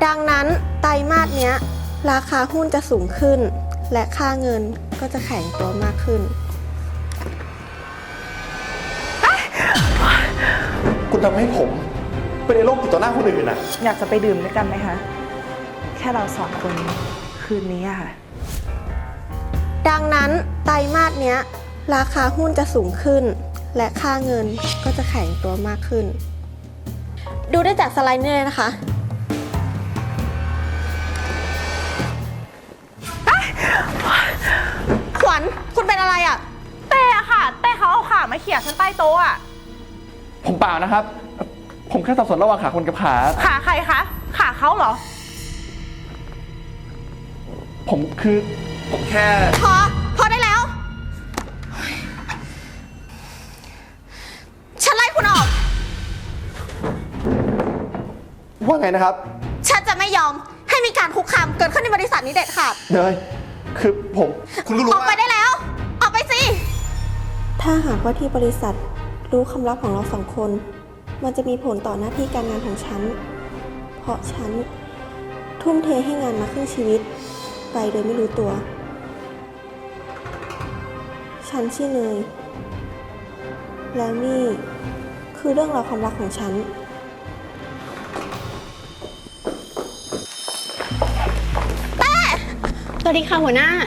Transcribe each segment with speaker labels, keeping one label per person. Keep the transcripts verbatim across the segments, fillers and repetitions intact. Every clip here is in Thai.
Speaker 1: ดังนั้นไตรมาสเนี้ยราคาหุ้นจะสูงขึ้นและค่าเงินก็จะแข็งตัวมากขึ้น
Speaker 2: คุณทำให้ผมเป็นในโรคติดต่อหน้าคนอื่นนะ
Speaker 3: อยากจะไปดื่มด้วยกันไหมคะแค่เราสองคนคืนนี้อะค่ะ
Speaker 1: ดังนั้นไตรมาสเนี้ยราคาหุ้นจะสูงขึ้นและค่าเงินก็จะแข็งตัวมากขึ้นดูได้จากสไลด์นี้เลยนะคะขวัญคุณเป็นอะไรอ่ะ
Speaker 3: เต้อะค่ะเต้เขาเอาขามาเขี่ยฉันใต้โต๊ะอะ
Speaker 2: ผมเปล่านะครับ ผมแค่สับสนระหว่างขาคนกับขา
Speaker 3: ขาใครคะขาเขาเหรอ
Speaker 2: ผมคือผมแค่
Speaker 1: พอพอได้แล้วฉันไล่คุณออก
Speaker 2: ว่าไงนะครับ
Speaker 1: ฉันจะไม่ยอมให้มีการคุกคามเกิดขึ้นในบริษัทนี้เด็ดขาด
Speaker 2: เนยคือผมคุณก็รู้ว่า
Speaker 1: ออกไปได้แล้วออกไปสิถ้าหากว่าที่บริษัทรู้คำลับของเราสองคนมันจะมีผลต่อหน้าที่การงานของฉันเพราะฉันทุ่มเทให้งานมาครึ่งชีวิตไปโดยไม่รู้ตัวฉันชื่อเนยแล้วนี่คือเรื่องราวความรักของฉัน
Speaker 4: สวัสดีค่ะหัวหน้า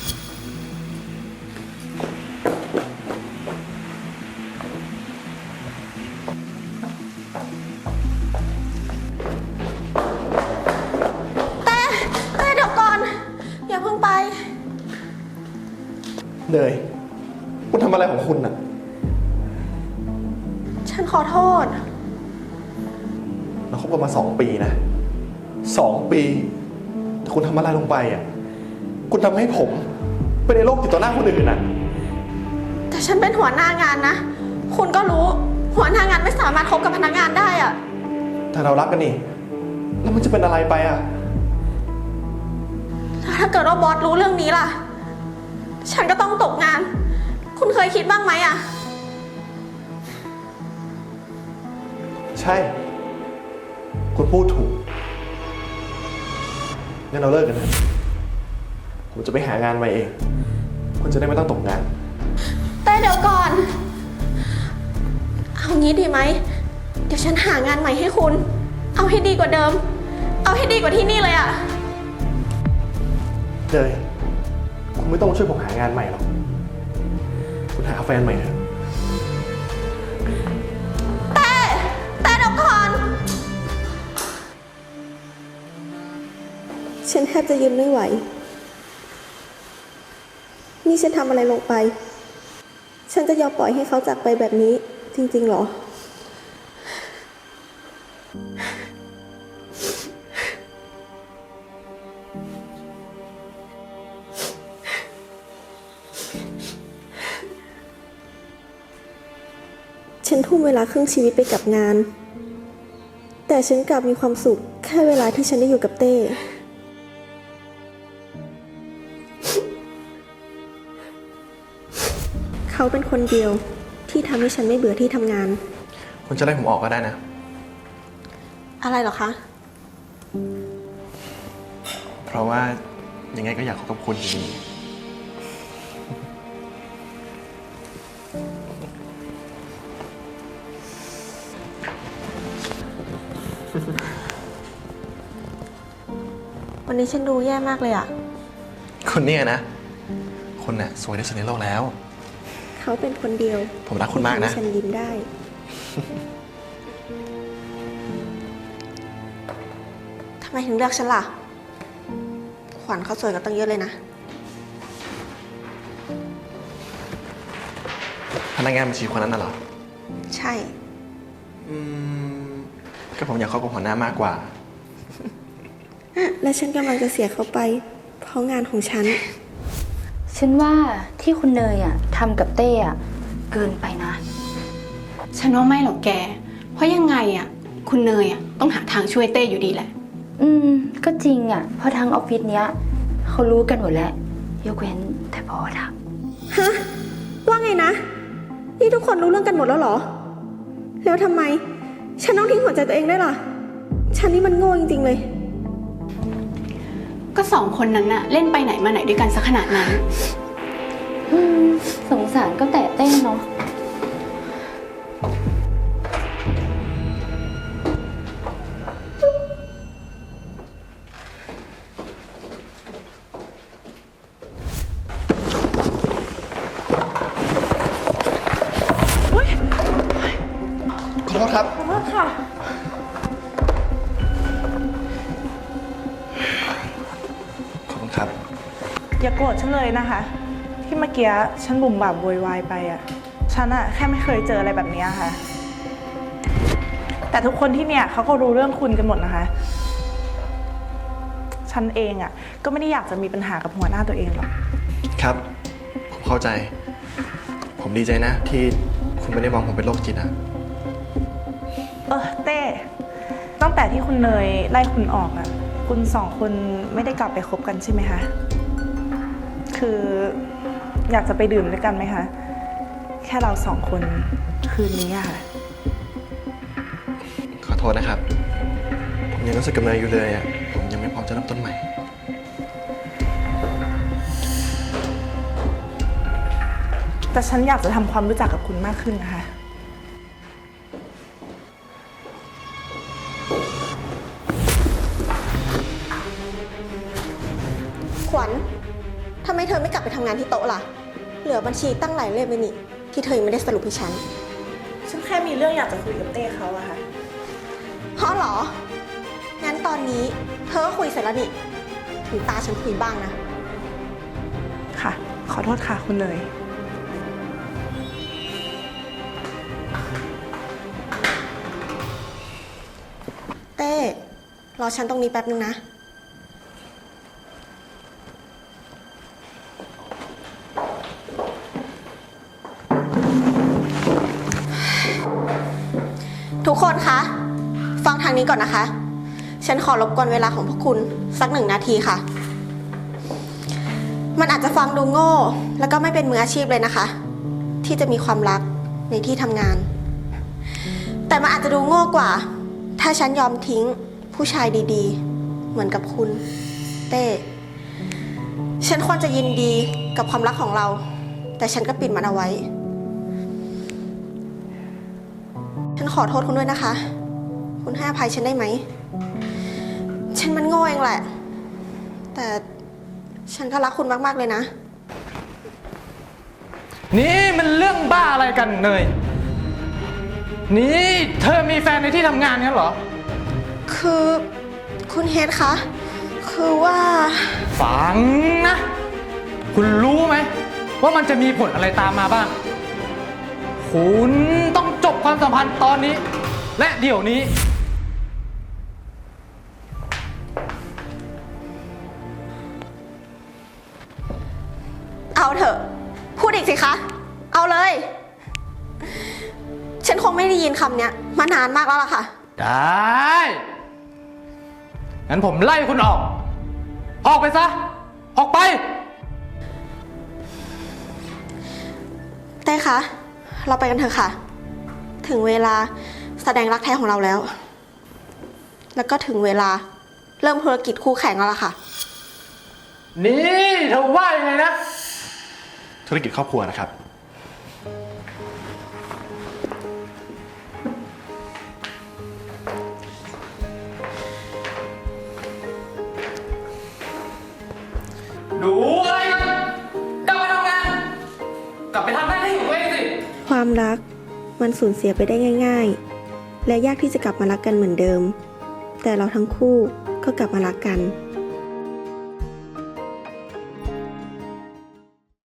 Speaker 1: แต่แต่เดี๋ยวก่อนอย่าเพิ่งไป
Speaker 2: เนยคุณทำอะไรของคุณน่ะ
Speaker 1: ฉันขอโทษ
Speaker 2: เราคบกันมาสองปีนะสองปีแต่คุณทำอะไรลงไปอ่ะคุณทำให้ผมเป็นในโรคติดต่อหน้าคนอื่นน่ะ
Speaker 1: แต่ฉันเป็นหัวหน้างานนะคุณก็รู้หัวหน้างานไม่สามารถคบกับพนักงานได้อะ
Speaker 2: แต่เรารักกันนี่แล้วมันจะเป็นอะไรไปอ่ะ
Speaker 1: ถ้าเกิดว่าบอสรู้เรื่องนี้ล่ะฉันก็ต้องตกงานคุณเคยคิดบ้างไหมอะ
Speaker 2: ใช่คุณพูดถูกงั้นเราเลิกกันนะผมจะไปหางานใหม่เองคุณจะได้ไม่ต้องตกงาน
Speaker 1: แต่เดี๋ยวก่อนเอางี้ดีไหมเดี๋ยวฉันหางานใหม่ให้คุณเอาให้ดีกว่าเดิมเอาให้ดีกว่าที่นี่เลยอะ
Speaker 2: เลยคุณไม่ต้องช่วยผมหางานใหม่หรอกคุณหาแฟนใหม่เถอะ
Speaker 1: แต่แต่เดี๋ยวก่อนฉันแทบจะยืนไม่ไหวนี่ฉันทำอะไรลงไปฉันจะยอมปล่อยให้เขาจากไปแบบนี้จริงๆหรอฉันทุ่มเวลาครึ่งชีวิตไปกับงานแต่ฉันกลับมีความสุขแค่เวลาที่ฉันได้อยู่กับเต้เขาเป็นคนเดียวที่ทำให้ฉันไม่เบื่อที่ทำงาน
Speaker 2: คุณจะไล่ผมออกก็ได้นะ
Speaker 1: อะไรหรอคะ
Speaker 2: เพราะว่ายังไงก็อยากคบกับคุณอยู่ดี
Speaker 1: วันนี้ฉันดูแย่มากเลยอะ
Speaker 2: คนเนี่ยนะคนน่ะสวยที่สุดในโลกแล้ว
Speaker 1: เขาเป็นคนเดียว
Speaker 2: ผมรักคุณมากนะ
Speaker 1: ฉันยิ้มได้ทำไมถึงเลือกฉันล่ะขวัญเขาสวยกันตั้งเยอะเลยนะ
Speaker 2: พนักงานบัญชีคนนั้นน่ะเหรอ
Speaker 1: ใช่
Speaker 2: อืมก็ผมอยากเข้ากับหัวหน้ามากกว่า
Speaker 1: และฉันกำลังจะเสียเขาไปเพราะงานของฉัน
Speaker 4: ฉันว่าที่คุณเนยอ่ะทำกับเต้อ่ะเกินไปนะ
Speaker 5: ฉันว่าไม่หรอกแกเพราะยังไงอ่ะคุณเนยอ่ะต้องหาทางช่วยเต้อยู่ดีแหละ
Speaker 4: อืมก็จริงอ่ะเพราะทางออฟฟิศเนี้ยเขารู้กันหมดแล้วยกเว้นแต่บอสอะ
Speaker 1: ฮะว่าไงนะนี่ทุกคนรู้เรื่องกันหมดแล้วเหรอแล้วทำไมฉันต้องทิ้งหัวใจตัวเองได้ล่ะฉันนี่มันโง่จริงๆเลย
Speaker 5: ก็สองคนนั้นน่ะเล่นไปไหนมาไหนด้วยกันซะขนาดนั้น
Speaker 4: อืมสงสารก็แต่เต้นเนาะ
Speaker 2: ขอโทษครับ
Speaker 3: ขอโทษค่ะ
Speaker 2: ขอบคุณครับ
Speaker 3: อย่าโกรธฉันเลยนะคะ ที่เมื่อกี้ฉันบุ่มบ่ามโวยวายไปอ่ะ ฉันอะแค่ไม่เคยเจออะไรแบบนี้ค่ะ แต่ทุกคนที่เนี่ยเขาก็รู้เรื่องคุณกันหมดนะคะ ฉันเองอ่ะก็ไม่ได้อยากจะมีปัญหากับหัวหน้าตัวเองหรอก
Speaker 2: ครับ ผมเข้าใจ ผมดีใจนะ ที่คุณไม่ได้มองผมเป็นโรคจิตอะ
Speaker 3: เออเต้ตั้งแต่ที่คุณเนยไล่คุณออกอ่ะ คุณสองคนไม่ได้กลับไปคบกันใช่ไหมคะ คืออยากจะไปดื่มด้วยกันไหมคะ แค่เราสองคนคืนนี้อะค่ะ
Speaker 2: ขอโทษนะครับ ผมยังรู้สึกกับเนยอยู่เลยอะผมยังไม่พร้อมจะเริ่มต้นใหม่
Speaker 3: แต่ฉันอยากจะทำความรู้จักกับคุณมากขึ้นนะคะ
Speaker 1: ขวัญทำไมเธอไม่กลับไปทำงานที่โต๊ะล่ะ เหลือบัญชีตั้งหลายเล่มเลยนี่ ที่เธอยังไม่ได้สรุปให้ฉัน
Speaker 3: ฉันแค่มีเรื่องอยากจะคุยกับเต้เขาอะค่ะ
Speaker 1: เพราะเหรอ งั้นตอนนี้เธอก็คุยเสร็จแล้วนี่ ถึงตาฉันคุยบ้างนะ
Speaker 3: ค่ะ ขอโทษค่ะคุณเนย
Speaker 1: เต้ รอฉันตรงนี้แป๊บนึงนะ ทุกคนคะ ฟังทางนี้ก่อนนะคะ ฉันขอรบกวนเวลาของพวกคุณสักหนึ่งนาทีค่ะ มันอาจจะฟังดูโง่ แล้วก็ไม่เป็นมืออาชีพเลยนะคะ ที่จะมีความรักในที่ทำงาน แต่มันอาจจะดูโง่กว่า ถ้าฉันยอมทิ้งผู้ชายดีๆ เหมือนกับคุณ เต้ ฉันควรจะยินดีกับความรักของเรา แต่ฉันก็ปิดมันเอาไว้ ฉันขอโทษคุณด้วยนะคะ คุณให้อภัยฉันได้ไหม ฉันมันโง่เองแหละ แต่ฉันก็รักคุณมากๆเลยนะ
Speaker 6: นี่มันเรื่องบ้าอะไรกันเนย นี่เธอมีแฟนในที่ทำงานงั้นเหรอ
Speaker 1: คือคุณเฮดคะ คือว่า
Speaker 6: ฟังนะ คุณรู้ไหมว่ามันจะมีผลอะไรตามมาบ้าง คุณต้องจบความสัมพันธ์ตอนนี้ และเดี๋ยวนี้
Speaker 1: เอาเถอะ พูดอีกสิคะ เอาเลย ฉันคงไม่ได้ยินคำเนี้ยมานานมากแล้วล่ะค่ะ
Speaker 6: ได้ งั้นผมไล่คุณออก ออกไปซะ ออกไป
Speaker 1: เต้คะ เราไปกันเถอะค่ะ ถึงเวลาแสดงรักแท้ของเราแล้ว แล้วก็ถึงเวลาเริ่มธุรกิจคู่แข่งแล้วล่ะค่ะ
Speaker 6: นี่เธอว่ายังไงนะ
Speaker 2: ธุรกิจครอบครัวนะครับ
Speaker 6: ดูอะไรกันกลับไปทำงาน กลับไปทำหน้าที่ของตัวเองสิ
Speaker 1: ความรักมันสูญเสียไปได้ง่ายๆ และยากที่จะกลับมารักกันเหมือนเดิม แต่เราทั้งคู่ก็กลับมารักกัน